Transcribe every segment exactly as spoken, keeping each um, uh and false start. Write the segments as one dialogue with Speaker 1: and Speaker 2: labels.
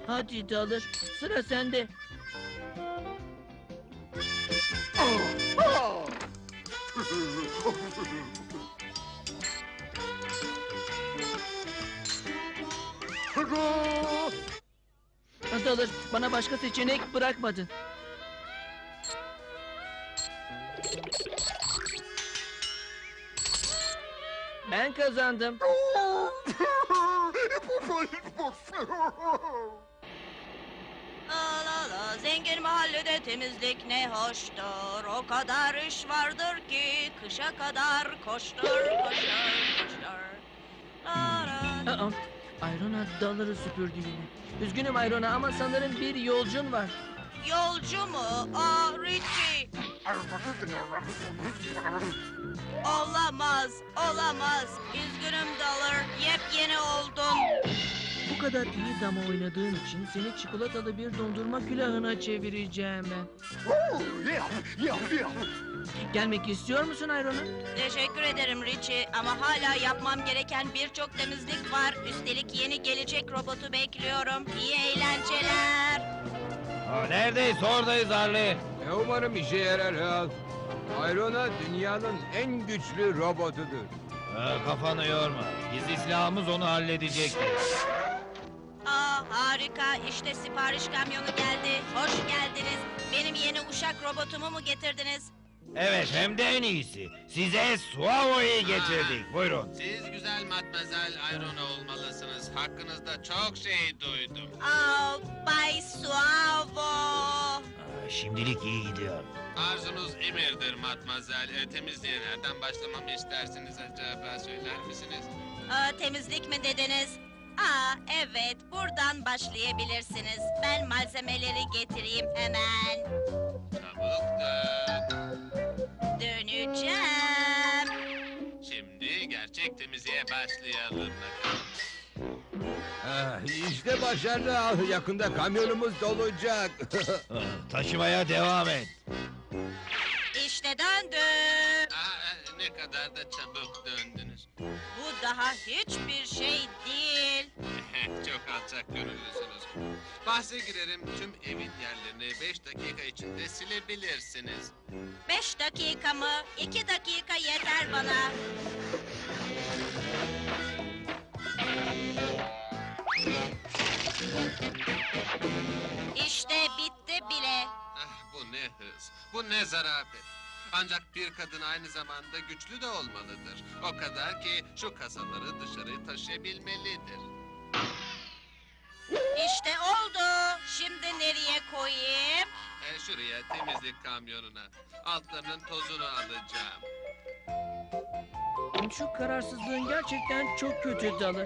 Speaker 1: Hadi Dalır, sıra sende. Dalır, bana başka seçenek bırakmadın. Ben kazandım.
Speaker 2: La la la, zengin mahallede temizlik ne hoştur. O kadar iş vardır ki kışa kadar koştur, koştur, koştur. La la.
Speaker 1: Aa, Ayrona Dalır'ı süpürdü yine. Üzgünüm Ayrona ama sanırım bir yolcun var.
Speaker 2: Yolcu mu? Aa, Richie. Olamaz, olamaz. Üzgünüm Dollar, yepyeni oldun.
Speaker 1: Bu kadar iyi dama oynadığın için seni çikolatalı bir dondurma külahına çevireceğim ben. Gelmek istiyor musun Ayrona?
Speaker 2: Teşekkür ederim Richie ama hala yapmam gereken birçok temizlik var. Üstelik yeni gelecek robotu bekliyorum. İyi eğlenceler.
Speaker 3: Ha, neredeyiz? Oradayız Harley.
Speaker 4: E umarım işe yarar Hal. Ayrona dünyanın en güçlü robotudur.
Speaker 3: Ha, kafanı yorma. Gizli silahımız onu halledecektir.
Speaker 2: Aa, harika, işte sipariş kamyonu geldi. Hoş geldiniz. Benim yeni uşak robotumu mu getirdiniz?
Speaker 3: Evet, hem de en iyisi. Size Suavo'yu getirdik. Buyurun.
Speaker 5: Siz güzel Matmazel Ayrona olmalısınız. Hakkınızda çok şey duydum.
Speaker 2: Aa, Bay Suavo.
Speaker 3: Ha, şimdilik iyi gidiyor.
Speaker 5: Arzunuz emirdir Matmazel. E, temizliğe nereden başlamamı istersiniz acaba söyler misiniz?
Speaker 2: Aa, temizlik mi dediniz? Aa, evet, buradan başlayabilirsiniz. Ben malzemeleri getireyim hemen.
Speaker 5: Çabuk dön.
Speaker 2: Döneceğim.
Speaker 5: Şimdi gerçek temizliğe başlayalım bakalım.
Speaker 4: Ah, işte başarılı Hal. Yakında kamyonumuz dolacak.
Speaker 3: Ha, taşımaya devam et.
Speaker 2: İşte döndüm.
Speaker 5: Aa, ne kadar da çabuk döndünüz.
Speaker 2: Bu daha hiçbir şey değil.
Speaker 5: Çok alçak gönüllüsünüz. Bahse girerim tüm evin yerlerini beş dakika içinde silebilirsiniz.
Speaker 2: Beş dakika mı? İki dakika yeter bana. İşte bitti bile.
Speaker 5: Ah, bu ne hız, bu ne zarafet. Ancak bir kadın aynı zamanda güçlü de olmalıdır. O kadar ki şu kasaları dışarı taşıyabilmelidir.
Speaker 2: İşte oldu. Şimdi nereye koyayım?
Speaker 5: E, şuraya temizlik kamyonuna. Altlarının tozunu alacağım.
Speaker 1: Şu kararsızlığın gerçekten çok kötü Dalır.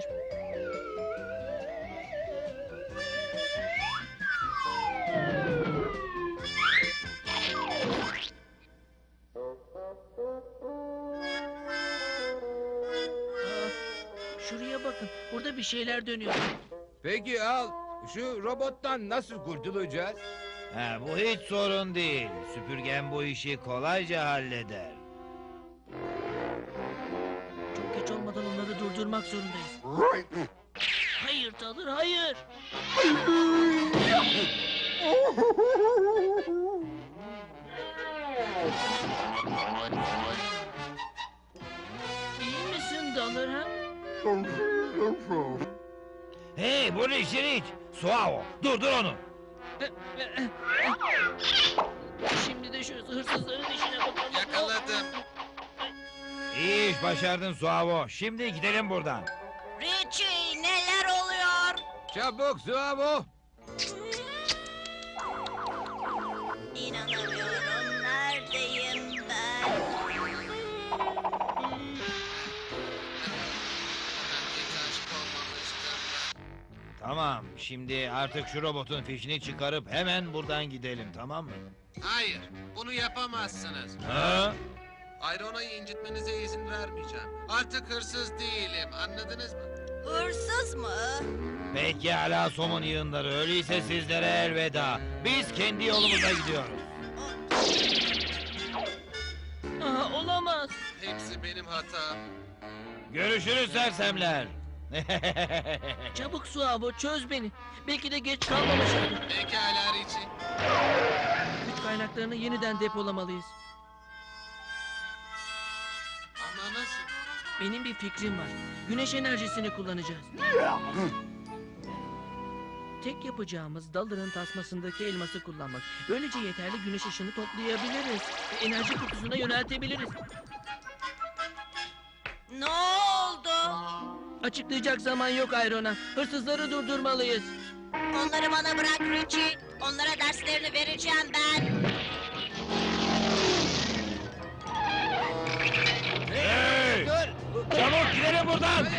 Speaker 1: Aa, şuraya bakın, burada bir şeyler dönüyor.
Speaker 4: Peki Hal, şu robottan nasıl kurtulacağız?
Speaker 3: Ha, bu hiç sorun değil. Süpürgen bu işi kolayca halleder.
Speaker 1: Çok geç olmadan onları durdurmak zorundayız. Hayır Dalır, hayır. İyi misin Dalır ha?
Speaker 3: Hey, bu ne Şirik? Suavo, durdur onu.
Speaker 1: Şimdi de şu hırsızların işine bakalım.
Speaker 5: Yakaladım.
Speaker 3: İyi iş başardın Suavo. Şimdi gidelim buradan.
Speaker 2: Richie, neler oluyor?
Speaker 4: Çabuk Suavo.
Speaker 2: İnanamıyorum. Neredeyim ben?
Speaker 5: Hiç aşık olmamıştım.
Speaker 3: Tamam, şimdi artık şu robotun fişini çıkarıp hemen buradan gidelim, tamam mı?
Speaker 5: Hayır, bunu yapamazsınız.
Speaker 3: Ha?
Speaker 5: Ayrona'yı incitmenize izin vermeyeceğim. Artık hırsız değilim, anladınız mı?
Speaker 2: Hırsız mı?
Speaker 3: Pekala somun yığınları, öyleyse sizlere elveda. Biz kendi yolumuza gidiyoruz.
Speaker 1: Aha, olamaz.
Speaker 5: Hepsi benim hatam.
Speaker 3: Görüşürüz sersemler.
Speaker 1: Çabuk Suavo, çöz beni. Belki de geç kalmamışımdır.
Speaker 5: Pekala Richie.
Speaker 1: Güç kaynaklarını yeniden depolamalıyız.
Speaker 5: Ama nasıl?
Speaker 1: Benim bir fikrim var. Güneş enerjisini kullanacağız. Tek yapacağımız Dalır'ın tasmasındaki elması kullanmak. Böylece yeterli güneş ışını toplayabiliriz. Ve enerji kutusuna yöneltebiliriz.
Speaker 2: Ne oldu?
Speaker 1: Açıklayacak zaman yok Ayrona. Hırsızları durdurmalıyız.
Speaker 2: Onları bana bırak Richie. Onlara derslerini vereceğim ben.
Speaker 3: Hey! Çabuk gidelim buradan!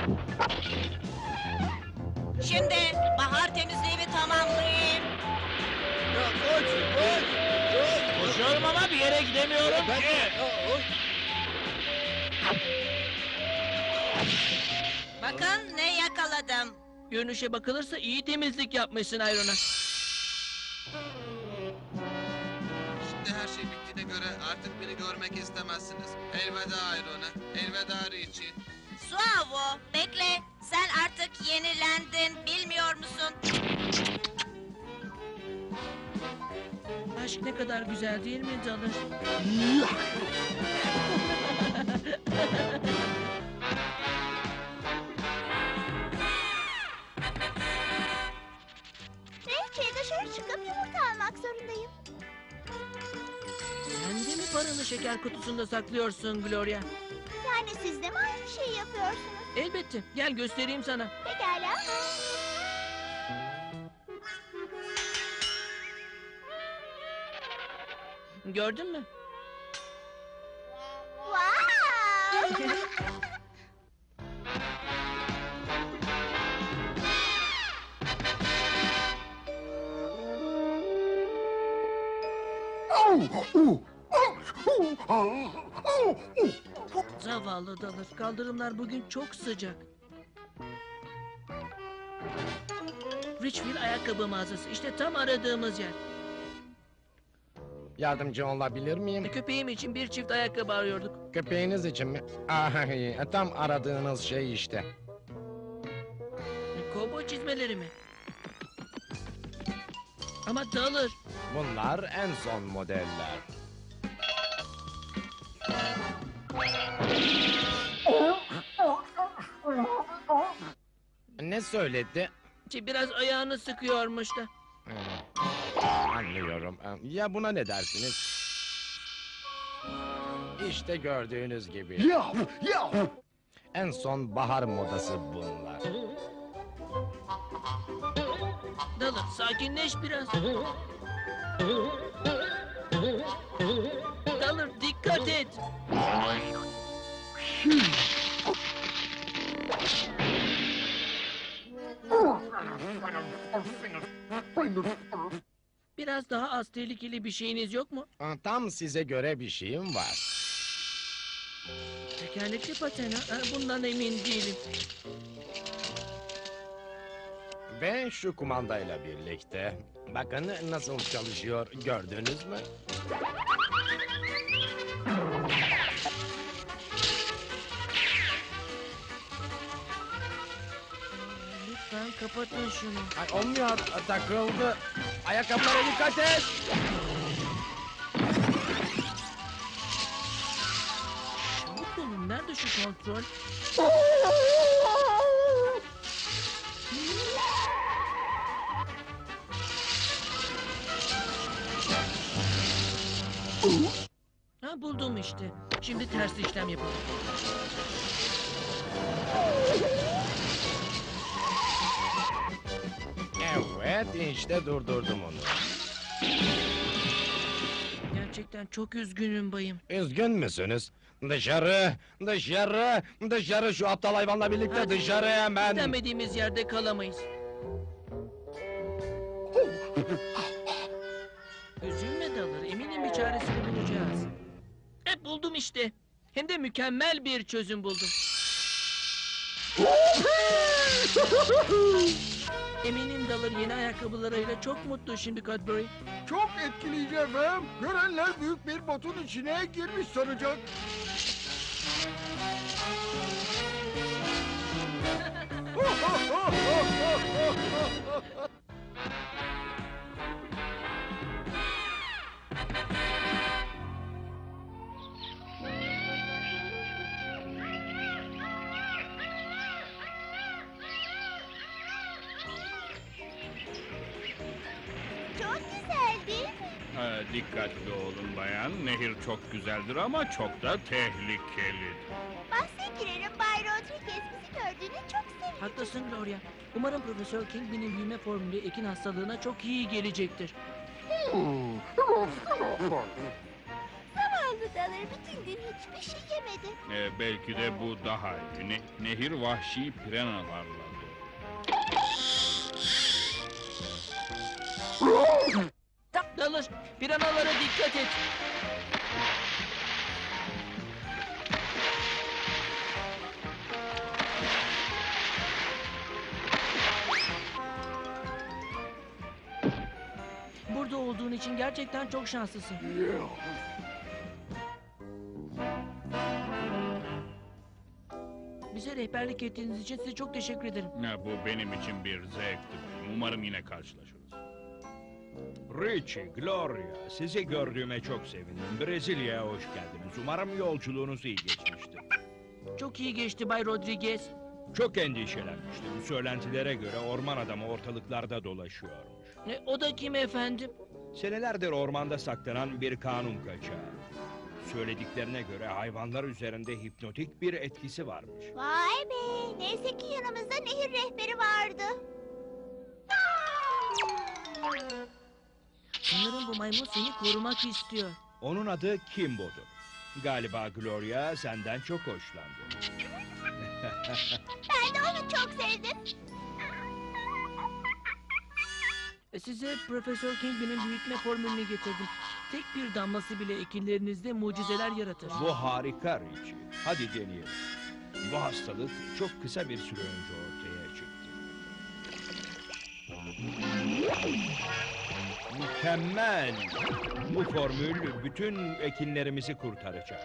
Speaker 2: Şimdi bahar temizliğimi tamamlayayım.
Speaker 3: Koşuyorum ama bir yere gidemiyorum ki.
Speaker 2: Bakın ne yakaladım.
Speaker 1: Görünüşe bakılırsa iyi temizlik yapmışsın Ayrona.
Speaker 5: Şimdi her şey bittiğine göre artık beni görmek istemezsiniz. Elveda Ayrona, elveda Richie.
Speaker 2: Suavo, bekle. Sen artık yenilendin, bilmiyor musun?
Speaker 1: Aşk ne kadar güzel değil mi Dalır?
Speaker 6: Belki dışarı çıkıp yumurta almak zorundayım.
Speaker 1: Sen de mi paranı şeker kutusunda saklıyorsun Gloria?
Speaker 6: Yani siz de mi aynı şeyi yapıyorsunuz?
Speaker 1: Elbette. Gel göstereyim sana.
Speaker 6: Pekala.
Speaker 1: Gördün mü?
Speaker 6: Wow!
Speaker 1: Zavallı Dalır. Kaldırımlar bugün çok sıcak. Richfield ayakkabı mağazası. İşte tam aradığımız yer.
Speaker 7: Yardımcı olabilir miyim?
Speaker 1: Köpeğim için bir çift ayakkabı arıyorduk.
Speaker 7: Köpeğiniz için mi? Ah, iyi. Tam aradığınız şey işte.
Speaker 1: Kovboy çizmeleri mi? Ama Dalır.
Speaker 7: Bunlar en son modeller. Ne söyledi?
Speaker 1: Şey, biraz ayağını sıkıyormuş da.
Speaker 7: Hmm, Anlıyorum. Ya buna ne dersiniz? İşte gördüğünüz gibi. En son bahar modası bunlar.
Speaker 1: Dalır sakinleş biraz. Dalır dikkat et. Biraz daha az tehlikeli bir şeyiniz yok mu?
Speaker 7: Tam size göre bir şeyim var.
Speaker 1: Tekerlekli paten ha? Ha, bundan emin değilim.
Speaker 7: Ve şu kumandayla birlikte. Bakın nasıl çalışıyor, gördünüz mü?
Speaker 1: Lütfen kapatın şunu.
Speaker 7: Ay, olmuyor, takıldı. Ayakkabılara dikkat et.
Speaker 1: Çabuk olun. Nerede şu kontrol? Ha buldum işte. Şimdi ters işlem yapalım.
Speaker 7: Evet, işte durdurdum onu.
Speaker 1: Gerçekten çok üzgünüm bayım.
Speaker 7: Üzgün müsünüz? Dışarı, dışarı, dışarı şu aptal hayvanla birlikte
Speaker 1: Hadi.
Speaker 7: dışarı hemen.
Speaker 1: İstemediğimiz yerde kalamayız. Üzülme Dalır. Eminim bir çaresini bulacağız. E buldum işte. Hem de mükemmel bir çözüm buldum. Eminim Dalır yeni ayakkabılarıyla çok mutlu şimdi Cadbury.
Speaker 8: Çok etkileyici efendim. Görenler büyük bir botun içine girmiş sanacak.
Speaker 6: Çok güzel değil mi?
Speaker 9: Ha, dikkatli olun bayan. Nehir çok güzeldir ama çok da tehlikeli.
Speaker 6: Bahse girerim Bay Rodriguez bizi gördüğüne çok sevindim.
Speaker 1: Haklısın Gloria. Umarım Profesör Kingpin'in büyüme formülü ekin hastalığına çok iyi gelecektir.
Speaker 6: Zavallı Dalır bütün gün hiçbir şey yemedi.
Speaker 9: Ee, belki de bu daha iyi. Ne- nehir vahşi piranalarla dolu.
Speaker 1: Dalır, piranalara dikkat et. Burada olduğun için gerçekten çok şanslısın. Bize rehberlik ettiğiniz için size çok teşekkür ederim.
Speaker 9: Ya, bu benim için bir zevkti. Umarım yine karşılaşırız.
Speaker 7: Richie, Gloria, sizi gördüğüme çok sevindim. Brezilya'ya hoş geldiniz. Umarım yolculuğunuz iyi geçmiştir.
Speaker 1: Çok iyi geçti Bay Rodriguez.
Speaker 7: Çok endişelenmiştim. Söylentilere göre orman adamı ortalıklarda dolaşıyormuş.
Speaker 1: E, o da kim efendim?
Speaker 7: Senelerdir ormanda saklanan bir kanun kaçağı. Söylediklerine göre hayvanlar üzerinde hipnotik bir etkisi varmış.
Speaker 6: Vay be neyse ki yanımızda nehir rehberi vardı.
Speaker 1: Sanırım bu maymun seni korumak istiyor.
Speaker 7: Onun adı Kimbo'dur. Galiba Gloria senden çok hoşlandı.
Speaker 6: Ben de onu çok sevdim.
Speaker 1: E, Size Profesör Kingpin'in büyütme formülünü getirdim. Tek bir damlası bile ekinlerinizde mucizeler yaratır.
Speaker 7: Bu harika Richie. Hadi deneyelim. Bu hastalık çok kısa bir süre önce ortaya çıktı. Mükemmel. Bu formül bütün ekinlerimizi kurtaracak.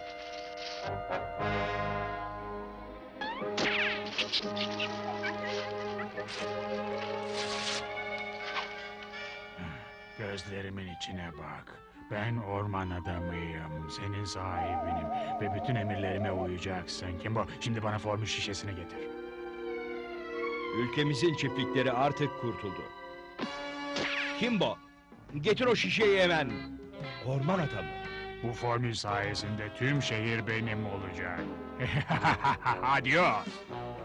Speaker 10: Gözlerimin içine bak. Ben orman adamıyım, senin sahibinim ve bütün emirlerime uyacaksın. Kimbo, şimdi bana formül şişesini getir.
Speaker 7: Ülkemizin çiftlikleri artık kurtuldu. Kimbo, getir o şişeyi hemen. Orman adamı.
Speaker 10: Bu formül sayesinde tüm şehir benim olacak. Adios.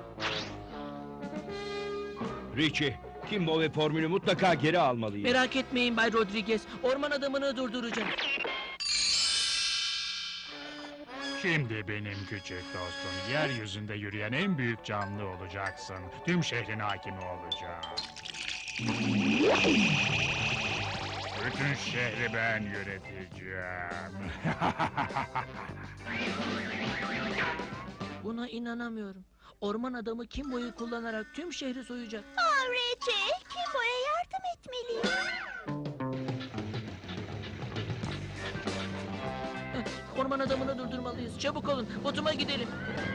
Speaker 7: Richie, Kimbo ve formülü mutlaka geri almalıyız.
Speaker 1: Merak etmeyin Bay Rodriguez. Orman adamını durduracağım.
Speaker 10: Şimdi benim küçük dostum, yeryüzünde yürüyen en büyük canlı olacaksın. Tüm şehrin hakimi olacağım. Bütün şehri ben yöneteceğim.
Speaker 1: Buna inanamıyorum. Orman adamı Kimbo'yu kullanarak tüm şehri soyacak.
Speaker 6: Oh Richie, Kimbo'ya yardım etmeliyim.
Speaker 1: Eh, Orman adamını durdurmalıyız. Çabuk olun. Botuma gidelim.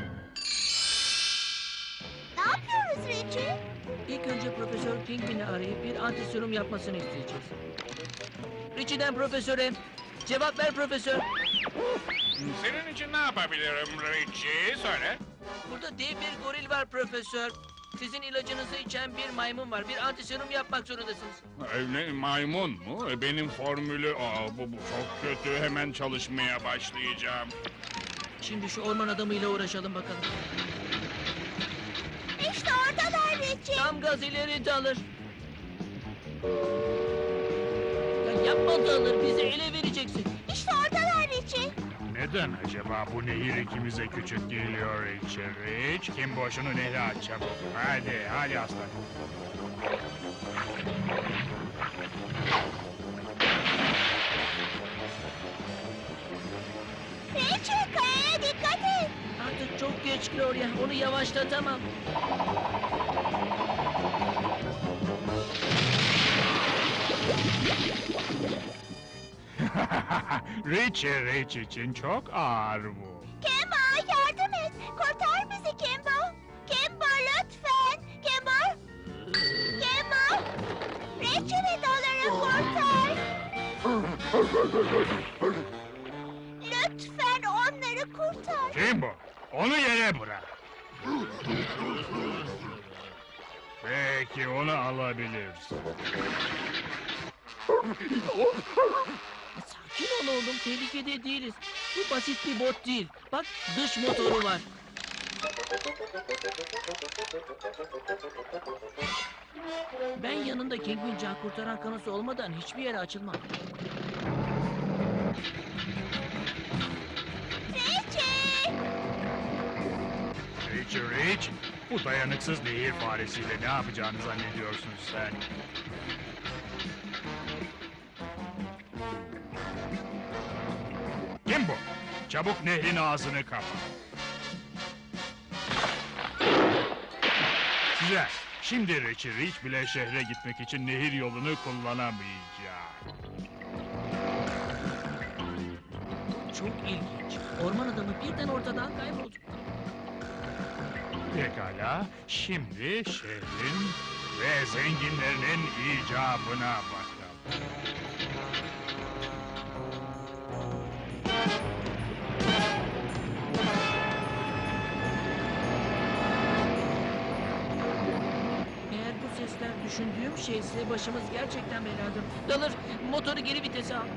Speaker 6: Ne yapıyoruz Richie?
Speaker 1: İlk önce Profesör Kingpin'i arayıp bir antiserum yapmasını isteyeceğiz. Richie'den Profesör'e. Cevap ver Profesör.
Speaker 9: Senin için ne yapabilirim Richie? Söyle.
Speaker 1: Burada dev bir goril var Profesör. Sizin ilacınızı içen bir maymun var. Bir antiserum yapmak zorundasınız.
Speaker 9: Ee, ne, maymun mu? Ee, Benim formülü... Aa, bu, bu çok kötü. Hemen çalışmaya başlayacağım.
Speaker 1: Şimdi şu orman adamıyla uğraşalım bakalım.
Speaker 6: İşte oradalar Richie.
Speaker 1: Tam gaz ileri Dalır. Ya yapma Dalır. Bizi ele vereceksin.
Speaker 6: İşte oradalar Richie.
Speaker 10: Neden acaba bu nehir ikimize küçük geliyor Richie? Rich, kim boşunu nehre at çabuk. Hadi, hadi aslan.
Speaker 6: Richie kayaya dikkat et.
Speaker 1: Artık çok geç Gloria. Onu yavaşlatamam.
Speaker 10: Richie, Rich için çok ağır bu.
Speaker 6: Kimbo yardım et. Kurtar bizi Kimbo. Kimbo lütfen. Kimbo. Lütfen onları kurtar.
Speaker 10: Kimbo, onu yere bırak. Peki, onu alabilirsin.
Speaker 1: Sakin ol oğlum, tehlikede değiliz. Bu basit bir bot değil. Bak, dış motoru var. Ben yanında Kingpin can kurtaran kanosu olmadan hiçbir yere açılmam.
Speaker 6: Richie!
Speaker 10: Rich, Rich, bu dayanıksız nehir faresiyle ne yapacağını zannediyorsun sen? Kim bu? Çabuk nehrin ağzını kapa. Güzel. Şimdi Richie Rich bile şehre gitmek için nehir yolunu kullanamayacak.
Speaker 1: Çok ilginç. Orman adamı birden ortadan kayboldu.
Speaker 10: Pekala, şimdi şehrin ve zenginlerinin icabına bakalım.
Speaker 1: Eğer bu sesler düşündüğüm şeyse başımız gerçekten belada. Dalır, motoru geri vitese al.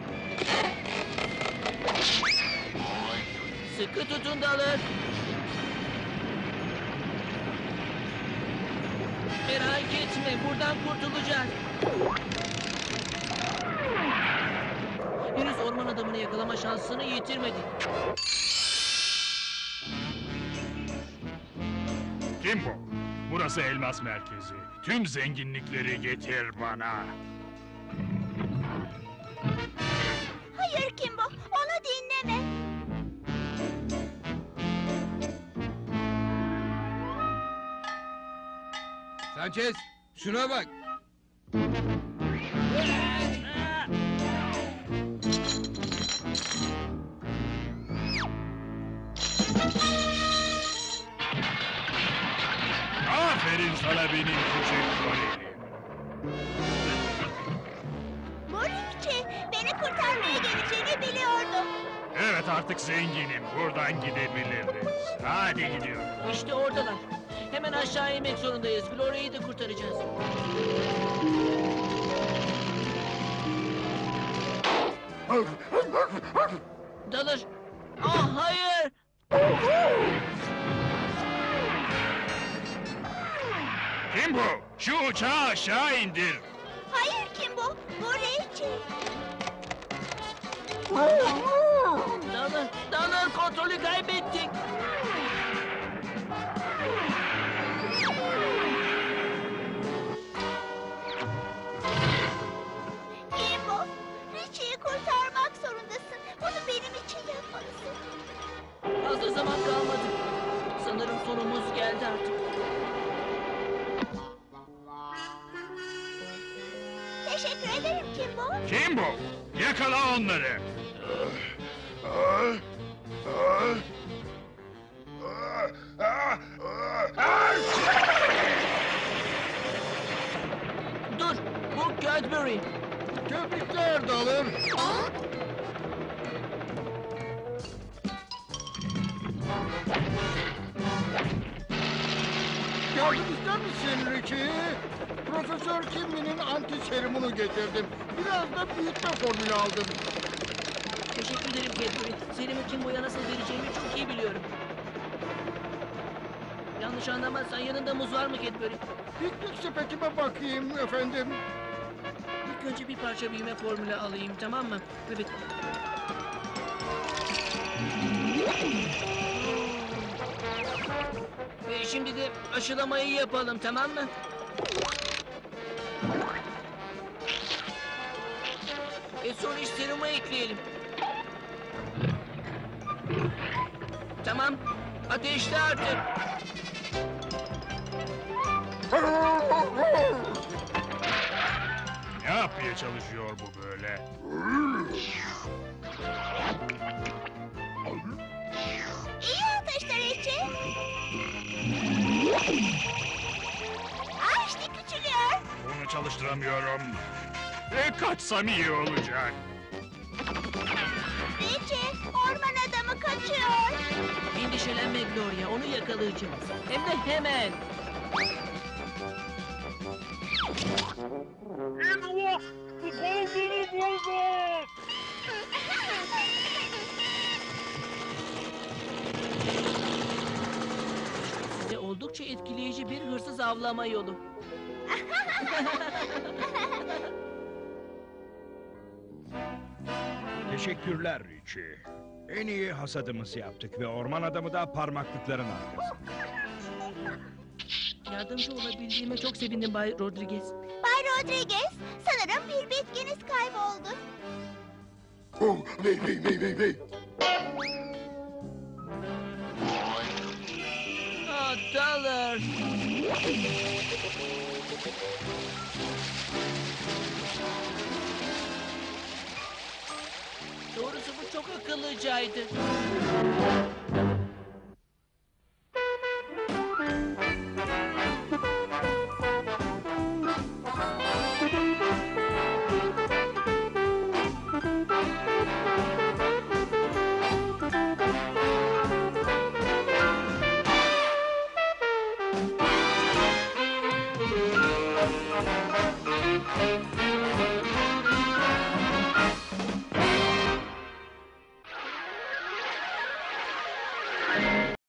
Speaker 1: Sıkı tutun Dalır. Merak etme, buradan kurtulacağız. Henüz orman adamını yakalama şansını yitirmedik.
Speaker 10: Kim bu? Burası elmas merkezi. Tüm zenginlikleri getir bana.
Speaker 6: Hayır Kimbo, onu dinleme.
Speaker 4: Sanchez, şuna bak.
Speaker 10: Aferin sana benim küçük golelim.
Speaker 6: Bu Richie, beni kurtarmaya geleceğini biliyordum.
Speaker 10: Evet, artık zenginim. Buradan gidebiliriz. Hadi gidiyorum.
Speaker 1: İşte oradalar. Hemen aşağı inmek zorundayız. Gloria'yı da kurtaracağız. Dalır. Ah hayır.
Speaker 10: Kim bu? Şu uçağı aşağı indir.
Speaker 6: Hayır Kimbo, bu Richie.
Speaker 1: Dalır. Dalır, kontrolü kaybettik.
Speaker 6: Kimbo, Richie'yi kurtarmak zorundasın. Bunu benim için yapmalısın.
Speaker 1: Fazla zaman kalmadı. Sanırım sonumuz geldi artık.
Speaker 6: Teşekkür ederim Kimbo.
Speaker 10: Kim bu? Yakala onları.
Speaker 1: Dur, bu Cadbury.
Speaker 8: Tebrikler Dalır. Yardım ister misin Richie? Profesör Kimmy'nin anti serumunu getirdim. Biraz da büyütme formülü aldım.
Speaker 1: Teşekkür ederim Cadbury. Serimi Kimbo'ya nasıl vereceğimi çok iyi biliyorum. Yanlış anlamazsan yanında muz var mı Cadbury?
Speaker 8: Piknik sepetime bakayım efendim.
Speaker 1: İlk önce bir parça büyüme formülü alayım, tamam mı? Evet. Ve şimdi de aşılamayı yapalım, tamam mı? Ve sonra iş serumu ekleyelim. Tamam. Ateşle artık.
Speaker 10: Ne yapmaya çalışıyor bu böyle?
Speaker 6: İyi ateşler Richie. Aa işte küçülüyor.
Speaker 10: Bunu çalıştıramıyorum. E, kaçsam iyi olacak.
Speaker 6: kaçıyor.
Speaker 1: Endişelenme Gloria, onu yakalayacağız. Hem de hemen. Size oldukça etkileyici bir hırsız avlama yolu.
Speaker 7: Teşekkürler Richie. En iyi hasadımızı yaptık ve orman adamı da parmaklıkların arkasında.
Speaker 1: Yardımcı olabildiğime çok sevindim Bay Rodriguez.
Speaker 6: Bay Rodriguez, sanırım bir bitkiniz kayboldu.
Speaker 1: Ah, Dollar. Doğrusu bu çok akıllıcaydı.